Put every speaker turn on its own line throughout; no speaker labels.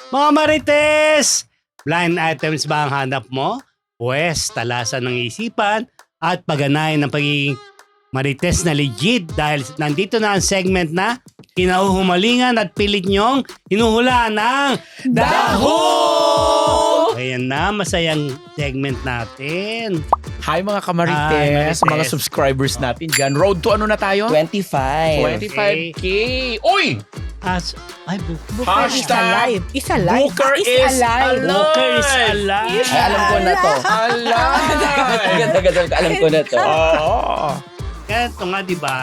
Mga Marites! Blind items ba ang hanap mo? Pwes, talasan ng isipan at pagganayan ng pagiging Marites na legit dahil nandito na ang segment na kinahuhumalingan at pilit nyong hinuhulaan ng Daho! Ayan na, masayang segment natin.
Hi mga
Hi,
kamarites,
Marites.
mga subscribers natin dyan. Road to ano na tayo?
25.
25K. Uy!
Ay,
Hashtag
Isa live.
Booker
Is
is
alive.
Booker is alive.
Ay, alam ko na to.
Alive!
Tagal-tagal ko, alam ko na to.
Oo.
Kaya ito nga, di ba?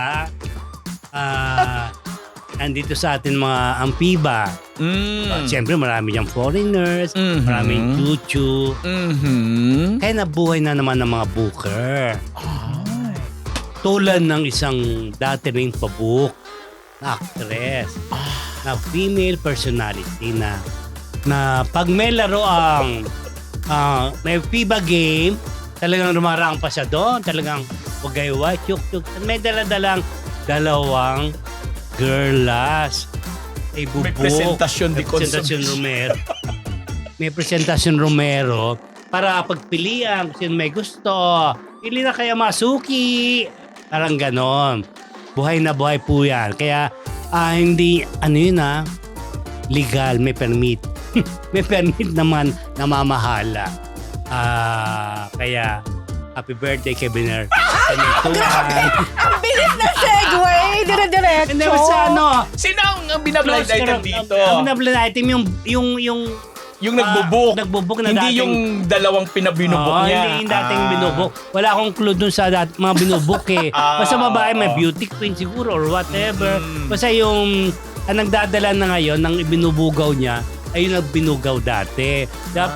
Andito sa atin mga ampiba. Siyempre, marami diyang foreigners,
Mhm.
maraming chuchu.
Mhm.
Kaya nabuhay na naman ng mga booker. Tulad ng isang dati ring pabook na actress na female personality na pag may laro ang may FIBA game, talagang rumarang pa siya doon. Talagang wagay-way, chuk-chuk. May daladalang dalawang girlas. Ay bubuk.
May presentasyon di
Presentasyon Romero. May presentasyon Romero para pagpilian kung sino may gusto. Pili na kaya Masuki. Parang ganon. Buhay na buhay po yan. Kaya hindi, legal, may permit. May permit naman na mamahala. Kaya, happy birthday, Keviner.
Ang bilis na segue. Dire-diretso.
Hindi, basta
Sino ang binablind item dito?
Ang binablind item,
Yung nagbubuk.
nagbubuk na
Hindi
dating...
yung dalawang pinabinubok niya.
Hindi yung dating binubuk. Wala akong clue dun sa mga binubuk eh. Basta babae, may beauty queen siguro or whatever. Basta yung nagdadala na ngayon ng ibinubugaw niya ay yung nagbinugaw dati.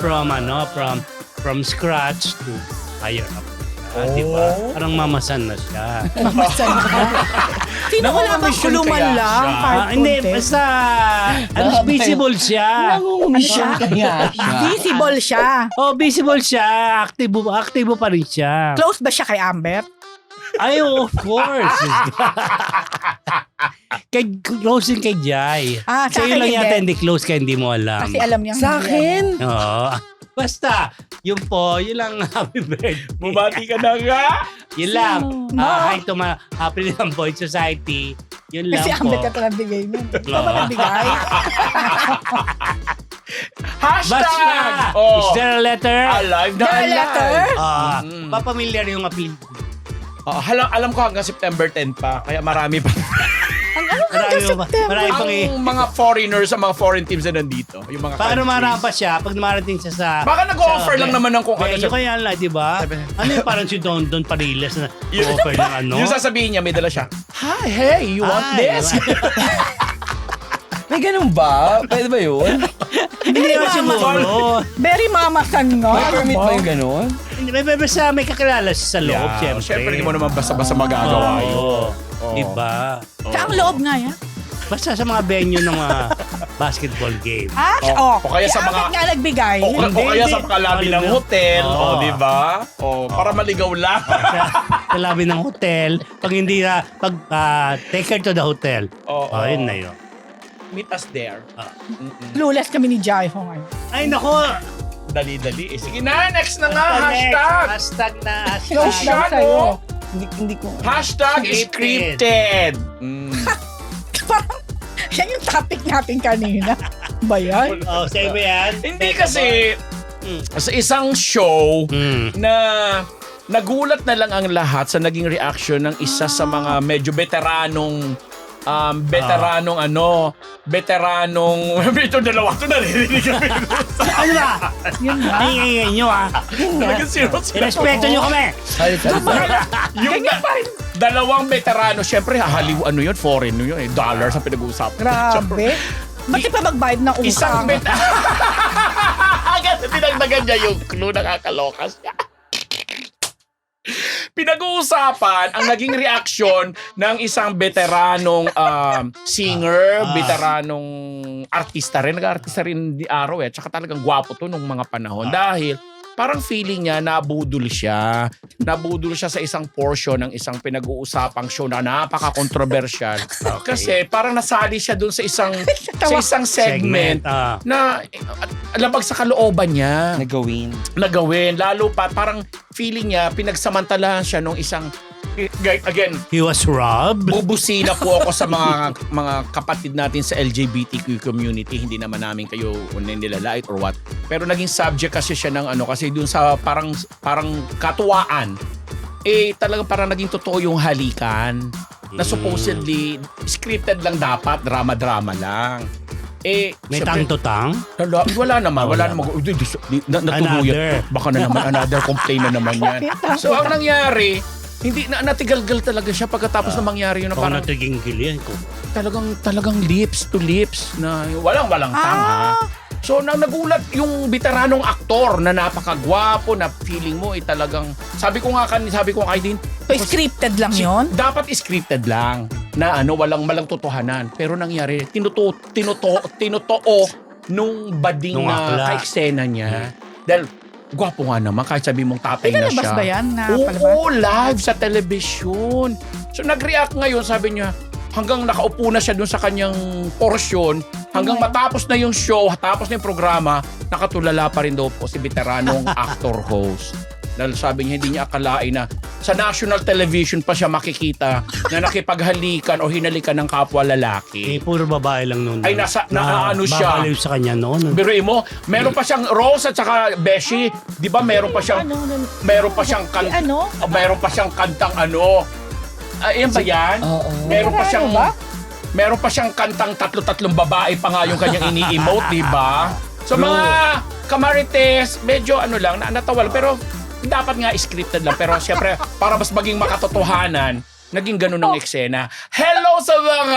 From scratch to higher up. Diba? Parang mamasan na siya.
Sino wala bang
Nangungumisyon
kuluman
kaya
lang?
siya?
Part
Hindi,
content?
basta visible siya.
Nangungumisyon kaya siya.
Visible siya.
Oh, visible siya. Aktibo pa rin siya.
Close ba siya kay Amber?
Ay, of course. Close kay Jai.
Sa
Sa'yo
akin
lang yata
hindi.
hindi close kaya hindi mo alam.
Kasi alam niya.
Sa akin?
Oo. Basta, yun lang happy birthday.
Bumati ka na nga.
Yun lang.
No.
Hi to my Happy Lang Boy Society. Yun lang
Kasi
po.
Amber ka talagang bigay nun. Ikaw ba nagbigay?
Hashtag!
Basta,
Oh.
is there a letter?
Alive na
The
alive.
letter?
Papamilyar yung appeal.
Alam ko hanggang September 10 pa. Kaya marami pa.
Marami pang
Ang mga foreigners, ang mga foreign teams na nandito. Yung mga
Para
countries.
marampas siya pag dumarating siya sa...
Baka nag-o-offer lang naman ng kung ano
Medyo
siya.
kaya lang, di ba? Ano yung parang si Don Pariles na
Yung-
offer ng ano?
Yung sasabihin niya, may dala siya. Hi, hey, you want this?
May ganun ba? Pwede ba yun?
Hindi naman siguro.
Very mamasan nga.
May permit ba yung ganun?
Hindi, may kakilala siya sa loob, siyempre.
Siyempre, hindi mo naman basta-basta magagawa yun.
Oo.
Oo.
Diba?
Sa ang loob nga yan.
Basta sa mga venue ng mga basketball game.
O kaya sa mga-
nga nagbigay.
O kaya sa kalabi ng hotel.
Oo.
O, di ba? O, para maligaw lang.
Sa labi ng hotel, pag hindi na, take her to the hotel.
Oo.
Yun na yun.
Meet us there.
Clueless kami ni Jai Ho ngayon.
Ay, nako!
Dali-dali. Sige na, next na nga. Hashtag.
Hashtag na
Close lang
Hashtag,
sa'yo.
oh.
Hindi ko.
Hashtag
Scripted.
scripted.
Parang, yan yung topic natin kanina. Ba yan?
Oh, sa'yo ba yan?
Hindi kasi sa isang show na nagulat na lang ang lahat sa naging reaction ng isa sa mga medyo veteranong ito dalawa to naririnig kami.
Ano ba?
Yun nga.
Ay, nyo
Talagang zero.
Irespeto nyo kami.
Yung dalawang veterano, syempre hahaliw yun, foreign yun, dollars ang pinag-uusapan.
Grabe. Ba't di pa magbayad ng
Isang
utang?
Agad dinagdagan niya yung clue, nakakaloka siya. Pinag-uusapan ang naging reaksyon ng isang veteranong singer, veteranong artista rin. Nag-artista rin di araw tsaka talagang gwapo to nung mga panahon. Dahil parang feeling niya nabudol siya. Nabudol siya sa isang portion ng isang pinag-uusapang show na napaka-controversial. Kasi parang nasali siya dun sa isang segment na labag sa kalooban niya. Nagawin. Lalo pa parang feeling niya pinagsamantalahan siya nung isang again,
he was robbed.
bubusina po ako sa mga kapatid natin sa LGBTQ community. Hindi naman namin kayo nilalait or what. Pero naging subject kasi siya ng kasi dun sa parang katuwaan. Talagang parang naging totoo yung halikan. Na supposedly scripted lang dapat, drama-drama lang.
May
syempre,
tang-to-tang?
Wala naman.
Another.
Baka na naman another complaint na naman yan. So ang nangyari, hindi natigalgal talaga siya pagkatapos na mangyari yun na parang
natiging gilian ko.
talagang lips to lips na walang tanga. So nagulat yung veteranong aktor na napakagwapo na feeling mo talagang sabi ko kay din
Scripted lang yon.
dapat scripted lang na walang totohanan pero nangyari tinotoo nung bading
Nung akla.
ka-eksena niya dahil gwapo nga naman kahit sabi mong tatay na
Pinalabas
siya.
ba yan na palabas?
Oo, live sa television. So nag-react ngayon, sabi niya, hanggang nakaupo na siya dun sa kanyang porsyon, hanggang matapos na yung show, tapos na yung programa, nakatulala pa rin daw po si veteranong actor-host. Dahil sabi niya, hindi niya akalain na sa national television pa siya makikita na nakipaghalikan o hinalikan ng kapwa lalaki.
Puro babae lang noon.
Ay, naano siya.
Babaliw sa kanya noon.
Biruin mo, meron pa siyang Rose at saka Beshi. Di ba meron pa siyang meron pa siyang kantang yan ba yan? Meron pa siyang meron pa siyang kantang tatlong babae pa nga yung kanyang ini-emote, di ba? So mga kamarites, medyo lang, natawa lang. Pero dapat nga scripted lang. Pero siyempre, para mas maging makatotohanan, naging ganun ang eksena. Hello sa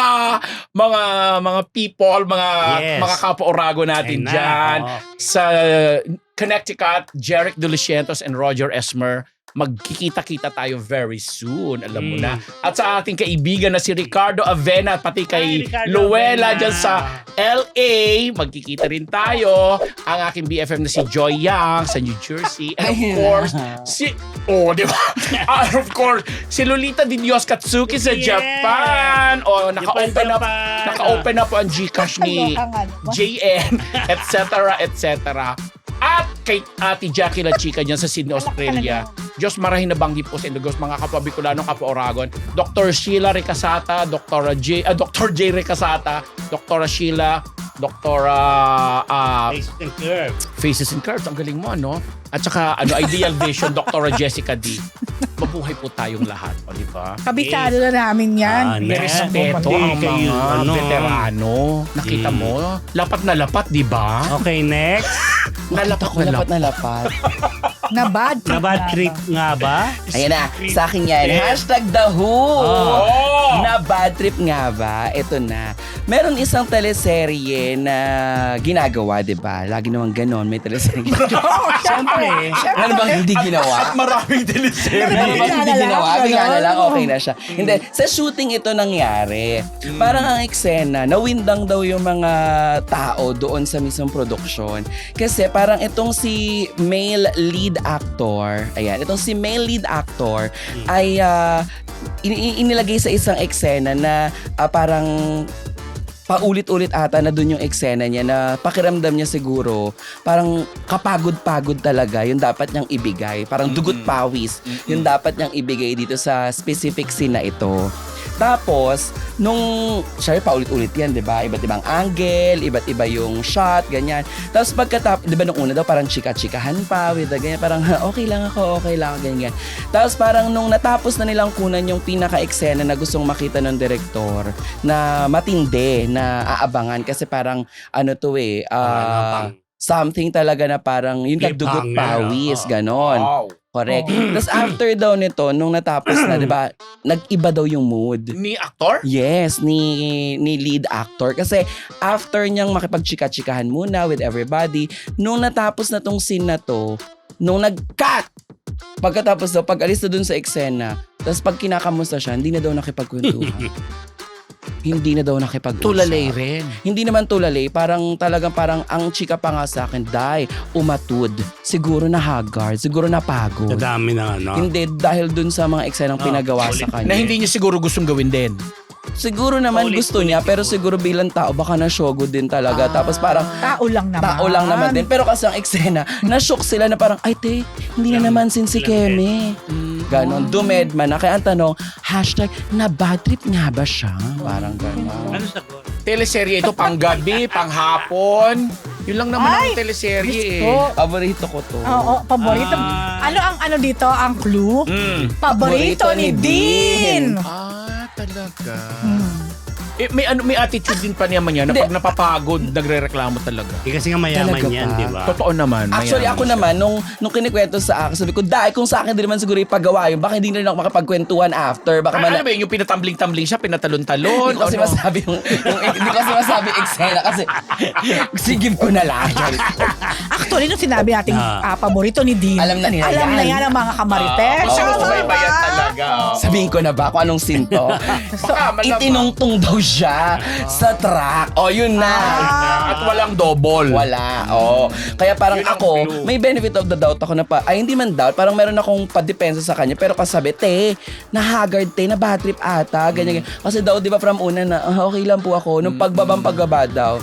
mga people, mga kapwa-orago natin dyan. Sa Connecticut, Jeric Dulicientos and Roger Esmer. Magkikita-kita tayo very soon, alam mo na. At sa ating kaibigan na si Ricardo Avena, pati kay Luella dyan sa LA, magkikita rin tayo. Ang aking BFF na si Joy Yang sa New Jersey. And of course, di ba? Of course, si Lolita Di Dios Katsuki sa Japan. Naka-open na po ang Gcash ni JN, etc. At kay Ate Jackie La Chica dyan sa Sydney, Australia. Diyos marahin na banggi po sa Indogos, mga kapwa Bicolano, kapwa Oragon. Dr. Sheila Recasata, Dr. J. Recasata, Dr. Sheila, Dr. Faces and Curves. Ang galing mo, At saka, Ideal Vision, Dr. Jessica D. Mabuhay po tayong lahat, di ba?
Kabisado na namin yan.
May respeto ang mga veterano. Nakita mo? Lapat na lapat, di ba?
Okay, next.
Lapat na lapat.
Na bad
trip nga ba?
Ayan na, sa akin yan. #TheWho. Na bad trip nga ba? Ito na. Meron isang teleserye na ginagawa, di ba? Lagi naman ganon, may teleserye. Siyempre. Ano bang hindi ginawa?
At maraming teleserye.
Ano bang hindi ginawa? Bigla na lang, okay na siya. Hindi, sa shooting ito nangyari. Parang ang eksena, nawindang daw yung mga tao doon sa mismong production. Kasi parang itong si male lead actor, itong si male lead actor ay inilagay sa isang eksena na parang paulit-ulit ata na dun yung eksena niya na pakiramdam niya siguro parang kapagod-pagod talaga yung dapat niyang ibigay. Parang dugot pawis yung dapat niyang ibigay dito sa specific scene na ito. Tapos, syempre paulit-ulit yan, di ba? Iba't ibang angle, iba't iba yung shot, ganyan. Tapos di ba nung una daw parang chika-chikahan pa, with the ganyan, parang okay lang ako, ganyan. Tapos parang nung natapos na nilang kunan yung pinaka-eksena na gustong makita ng direktor na matindi, na aabangan kasi parang something talaga na parang yung nagdugot pawis, ganon.
Wow.
Correct. Tapos after daw nito, nung natapos na, di ba, nag-iba daw yung mood.
Ni actor?
Yes, ni lead actor. Kasi after niyang makipagchika-chikahan muna with everybody, nung natapos na tong scene na to, nung nag-cut, pagkatapos daw, pag-alis na dun sa eksena, tapos pag kinakamusta siya, hindi na daw nakipagkwentuhan. Hindi na daw nakipag-usap.
Tulalay rin.
Hindi naman tulalay, parang ang chika pa nga sa akin, umatud. Siguro na haggard, siguro napagod.
Sa dami ng ano.
Hindi, dahil dun sa mga eksenang pinagawa sa kanya.
Na hindi niya siguro gustong gawin din.
Siguro naman gusto niya, pero siguro bilang tao, baka na-shogo din talaga. Tapos parang,
Tao lang naman.
tao lang naman din. Pero kasi ang eksena, na-shock sila na parang, ay te, hindi na naman sin si Keme. Ganon, dumedma na. Kaya ang tanong, hashtag, na bad trip nga ba siya? Parang ganon.
Ano sagot?
Teleserye ito pang gabi, pang hapon. Yun lang naman ang teleserye eh.
Gusto.
Paborito ko to.
Oo, paborito. Ano ang ano dito, ang clue? Paborito ni Dean.
Talaga. May attitude din pa naman yan na pag napapagod, nagre-reklamo talaga.
Kasi nga mayaman
Talaga
yan,
ba?
di ba?
Totoo naman.
Actually,
mayaman
ako
siya.
naman, nung kinikwento sa akin, sabi ko, kung sa akin din naman siguro ipagawa yun, baka hindi na rin ako makapagkwentuhan after. Baka
Ano ba yun? Yung pinatambling-tambling siya, pinatalon-talon?
Hindi ko kasi masabi hindi ko kasi masabi eksena kasi sigib ko na lang.
Actually, nung sinabi nating paborito ni Dean,
Alam na nila
alam
yan.
na yan ang mga kamarites.
Kasi
Oo.
subaybayan talaga.
Sabihin ko na ba kung anong sinto?
Baka malamang.
Itinungtong daw siya sa truck. O, yun na.
At walang double.
Wala. Oo. Kaya parang
Yun ang
ako,
clue.
may benefit of the doubt ako na hindi man doubt, parang meron akong padepensa sa kanya. Pero kasabi, na haggard na bad trip ata, ganyan. Kasi daw, di ba from una na, okay lang po ako. Nung pagbaba daw.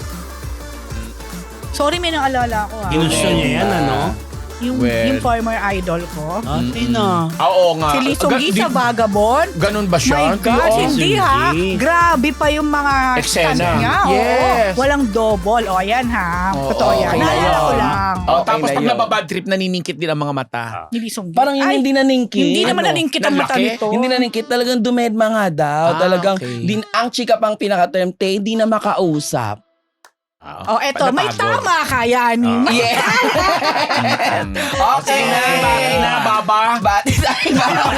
Sorry, may naalala ko
Ginusto niya yan, ano?
Yung former idol ko.
Tina.
Oo nga.
Si Lee Sung-gi sa Vagabond.
Ganun ba siya?
My God,
Oo.
hindi ha.
Hindi.
Grabe pa yung mga
Eksena.
stunt niya.
Yes.
Oo. Walang double. O, yan ha.
Oo,
Totoo yan.
okay na
Naalala ko
yun.
lang.
Oh,
Okay
tapos
na
pag
yun.
nababad trip, naniningkit din ang mga mata.
Ni Lee Sung-gi.
Parang
Ay,
hindi naningkit.
Hindi naman
Ano?
naningkit ang mata
Lalaki?
nito.
Hindi naningkit. Talagang dumedma nga daw. Talagang,
Okay.
ang chika pang pinaka-term, hindi na makausap.
Oh, eto, may
Napagod.
tama ka yan.
Yeah. Okay na.
Bakit na, Baba?
Batis ay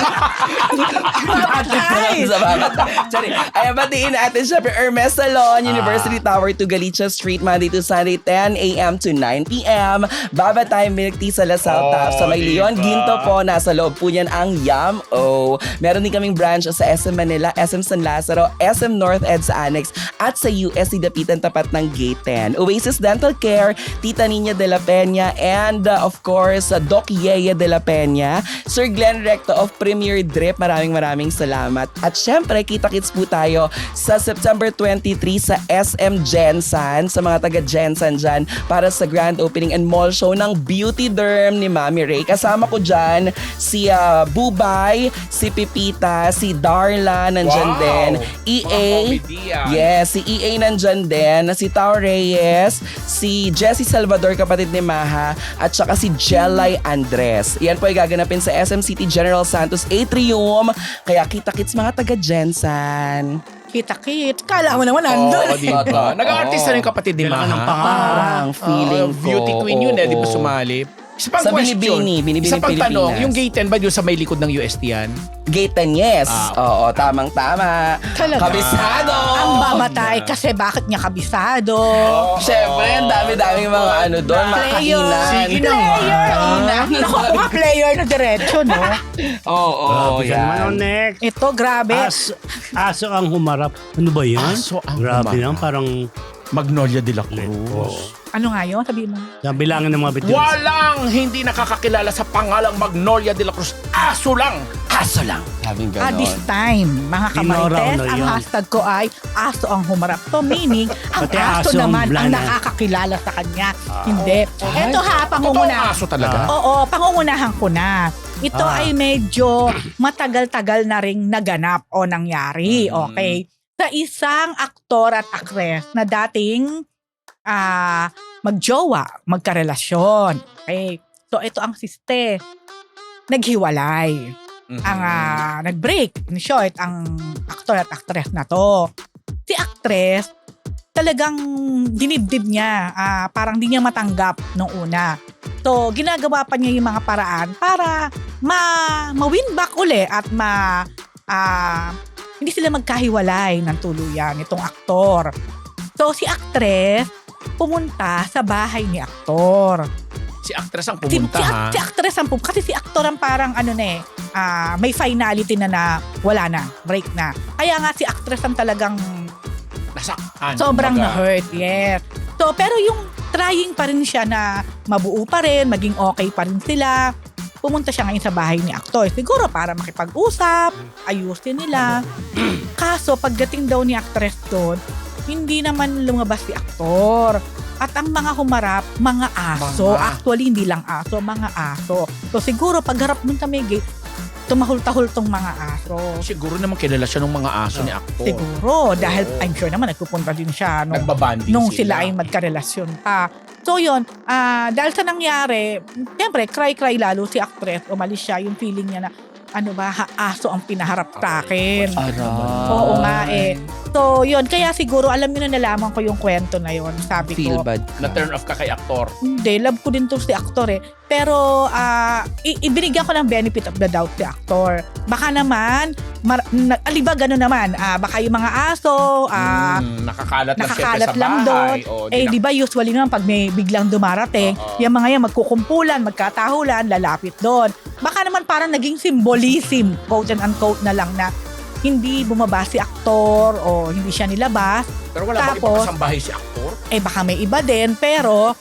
Babatay.
sa babatay. Sorry. Ay, batiin natin syempre Hermes Salon, University Tower to Galicia Street, Monday to Sunday, 10 a.m. to 9 p.m. Babatay Milk Tea sa Lasal Tap sa May Leon.
diba?
Ginto po, nasa loob po niyan ang Yum-O. Meron din kaming branch sa SM Manila, SM San Lazaro, SM North Ed sa Annex, at sa USC Dapitan tapat ng Gate 10. Oasis Dental Care, Tita Nina de la Peña, and of course, Doc Yeye de la Peña, Sir Glenn Recto of Premier Drip, maraming salamat. At syempre, kita-kits po tayo sa September 23 sa SM Gensan, sa mga taga Gensan dyan, para sa grand opening and mall show ng Beauty Derm ni Mami Ray. Kasama ko dyan si Bubay, si Pipita, si Darla, nandyan
Wow!
din.
Mga
EA,
comedian.
yes, si EA nandyan din, si Tao Reyes, si Jessie Salvador, kapatid ni Maha, at saka si Jelay Andres. Yan po ay gaganapin sa SM City General Santos Atrium. Kaya kita-kits mga taga-Jensan.
Kita-kit. Kala mo naman nandun.
Oo, di ba? Nag-artist na rin yung kapatid ni
Kailangan ng
Maha.
Parang feeling ko.
Beauty queen yun eh, di ba
oo.
sumali? Isa pang
Sa
question.
Binibini
Isa pang tanong,
Pilipinas.
yung gate 10 ba yun sa may likod ng UST yan?
Gate 10, yes. Oo, tamang-tama.
Talaga?
Kabisado.
Ang babatay kasi bakit niya kabisado?
Siyempre, ang dami-daming mga doon, mga
Player.
kainan.
Sige na nga.
Player. Naku, mga player na diretso, no?
Oo,
Grabe ka naman. Ano
yan.
next?
Ito, grabe.
Aso ang humarap. Ano ba yan?
Aso ang
Grabe
humarap.
naman, parang
Magnolia de la
Cruz.
Ano nga yun? Sabihin mo.
Sabi lang ng mga bituin.
Walang hindi nakakakilala sa pangalang Magnolia de la Cruz. Aso lang!
Aso lang. Sabing ganon.
This time, mga
Dinoraw
kamarites,
na
ang
yun.
hashtag ko ay aso ang humarap. To meaning, ang
Pati
aso
aso ang
naman ang
blana.
nakakakilala sa kanya. Hindi. Ito ha,
Totoong
pangungunahan.
aso talaga?
Oo, pangungunahan ko na. Ito ay medyo matagal-tagal na ring naganap o nangyari. Okay. Sa isang aktor at aktres na dating magjowa, magkarelasyon. Okay. So ito ang siste. Naghiwalay. Ang nag-break, in short, ang aktor at aktres na to. Si aktres, talagang dinibdib niya. Parang di niya matanggap nung una. So, ginagawa pa niya yung mga paraan para ma-win back uli at hindi sila magkahiwalay ng tuluyan, itong aktor. So, si aktres pumunta sa bahay ni aktor.
Si actress ang
Si,
pumunta, ha?
si actress ang kasi si actor ang parang may finality na wala na, break na. Kaya nga si actress ang talagang
Nasaktan.
sobrang
kumbaga.
na-hurt, yes. So, pero yung trying pa rin siya na mabuo pa rin, maging okay pa rin sila. Pumunta siya ngayon sa bahay ni aktor. Siguro para makipag-usap, ayusin nila. Kaso, pagdating daw ni actress doon, hindi naman lumabas si aktor. At ang mga humarap, mga aso.
Mga.
Actually, hindi lang aso, mga aso. So, siguro, pagharap dun sa may gate, tumahol-tahol tong mga aso.
Siguro naman kilala siya ng mga aso ni actor.
Siguro, dahil I'm sure naman nagpupunta din siya
Nagbabanding
nung sila ay magkarelasyon pa. So yun, dahil sa nangyari, siyempre, cry-cry lalo si actress, umalis siya, yung feeling niya na, ano ba, aso ang pinaharap sa akin.
Aray.
Oo nga eh. So yun, kaya siguro, alam niyo na nalaman ko yung kwento na yun. Sabi
Feel
ko,
bad
Na
ka.
turn off ka kay actor.
hindi, love ko din to si actor eh. Pero, ibinigyan ko ng benefit of the doubt si actor. Baka naman, alibag gano'n naman, baka yung mga aso,
Nakakalat lang siyempre
nakakalat
sa
lang
bahay.
doon.
O,
di ba usually naman pag may biglang dumarating,
Oo.
yung mga yan magkukumpulan, magkatahulan, lalapit doon. Baka naman parang naging symbolism, quote and unquote na lang na hindi bumaba si aktor o hindi siya nilabas.
Pero wala bang
Tapos,
ipakasambahay si actor?
baka may iba din, pero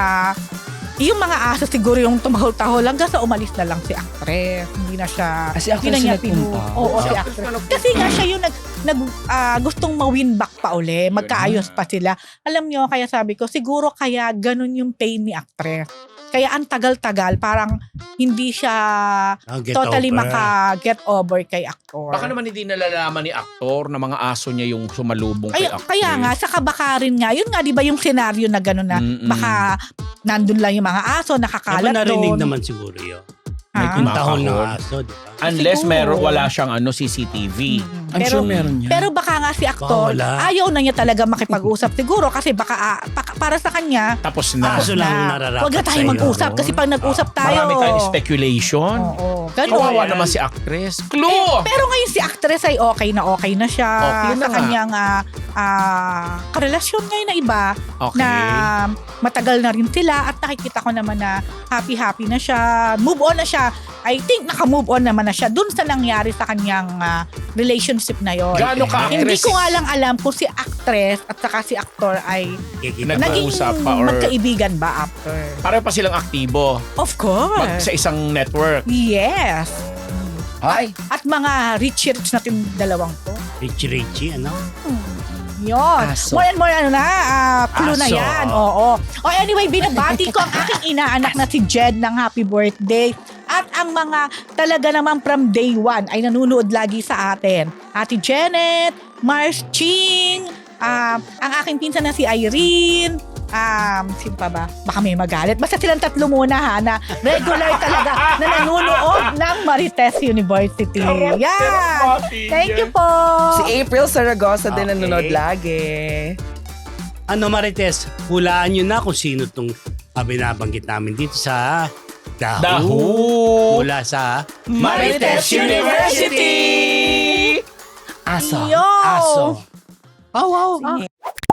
yung mga aso siguro yung tumahol-tahol hanggang sa umalis na lang si actress. Hindi na siya,
Si actress
hindi na niya
yung nagpunta?
Oo,
Si
si
actress
actress.
na nagpunta.
Kasi nga siya yung gustong ma-win back pa uli, magkaayos pa sila. Alam nyo, kaya sabi ko, siguro kaya ganun yung pain ni actress. Kaya ang tagal-tagal, parang hindi siya
Get
totally
over.
maka-get over kay actor.
Baka naman hindi nalalaman ni actor na mga aso niya yung sumalubong kay actress.
Kaya nga, saka baka rin nga, yun nga, di ba yung senaryo na gano'n na baka nandun lang yung mga aso, nakakalat
Narinig
doon.
naman siguro yun.
Ha?
May kuntahol ng
Makahol.
aso, di ba?
Unless
Siguro.
wala siyang CCTV.
I'm sure meron yan.
Pero baka nga si actor,
Baka wala.
ayaw na niya talaga makipag-usap. Siguro kasi baka para sa kanya,
Tapos na.
Aso lang nararapat
huwag na tayo
sa'yo.
mag-usap kasi pag nag-usap tayo.
Marami tayong speculation.
Oo, ganun.
Kawawa
yan.
naman si actress. Clue!
Pero ngayon si actress ay okay na siya
Okay na
sa
nga.
kanyang karelasyon ngayon na iba
Okay.
na matagal na rin sila at nakikita ko naman na happy na siya. Move on na siya. I think naka-move on naman na siya dun sa nangyari sa kanyang relationship na yon.
Gaano ka
Hindi
actress?
ko nga lang alam kung si actress at saka si actor ay
Kikita
naging
Nag-uusap pa or-
magkaibigan ba after?
Pareho pa silang aktibo.
Of course.
Sa isang network.
Yes.
Ay,
At mga rich natin dalawang to.
Richie, ano?
Yun.
Aso.
More and more clue na
Aso.
yan. Oo. O anyway, binabati ko ang aking inaanak na si Jed ng happy birthday. At ang mga talaga naman from day one ay nanunood lagi sa atin. Ate Janet, Mars Ching, ang aking pinsan na si Irene, sino pa ba? Baka may magalit. Basta silang tatlo muna ha, na regular talaga na nanunood ng Marites University. Yeah! Thank you po!
si April Saragosa din
Okay.
nanonood lagi.
Ano Marites, hulaan nyo na kung sino itong binabanggit namin dito sa
Dahu!
Mula sa
Marites University!
Aso.
Yo!
Aso.
Oh, wow.